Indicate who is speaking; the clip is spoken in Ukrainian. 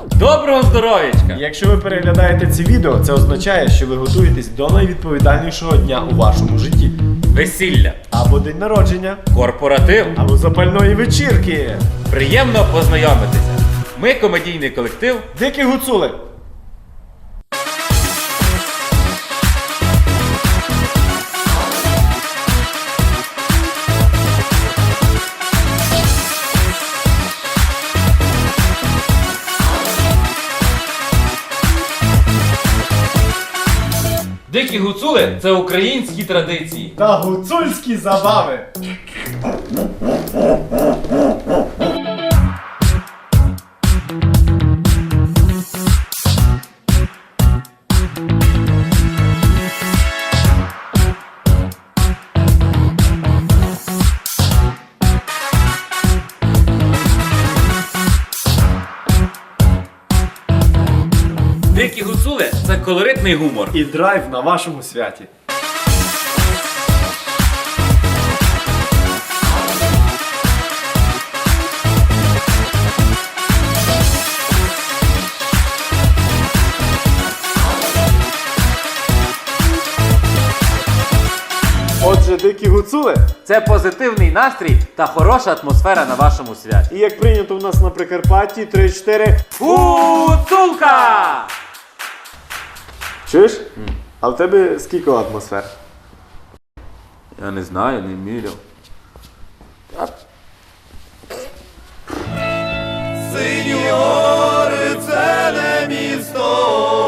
Speaker 1: Доброго здоров'ячка!
Speaker 2: Якщо ви переглядаєте це відео, це означає, що ви готуєтесь до найвідповідальнішого дня у вашому житті.
Speaker 1: Весілля,
Speaker 2: Або день народження,
Speaker 1: корпоратив.
Speaker 2: або запальної вечірки.
Speaker 1: Приємно познайомитися. Ми комедійний колектив.
Speaker 2: Дикі гуцули.
Speaker 1: Дикі гуцули це українські традиції.
Speaker 2: Та гуцульські забави.
Speaker 1: Дикі гуцули це колоритний гумор.
Speaker 2: І драйв на вашому святі. Отже, дикі гуцули,
Speaker 1: Це позитивний настрій та хороша атмосфера на вашому святі.
Speaker 2: і як прийнято у нас на Прикарпатті, 3-4.
Speaker 1: Гуцулка!
Speaker 2: Чуєш? А в тебе скільки атмосфер?
Speaker 1: Я не знаю, не міряв.
Speaker 3: Синьори, це не місто,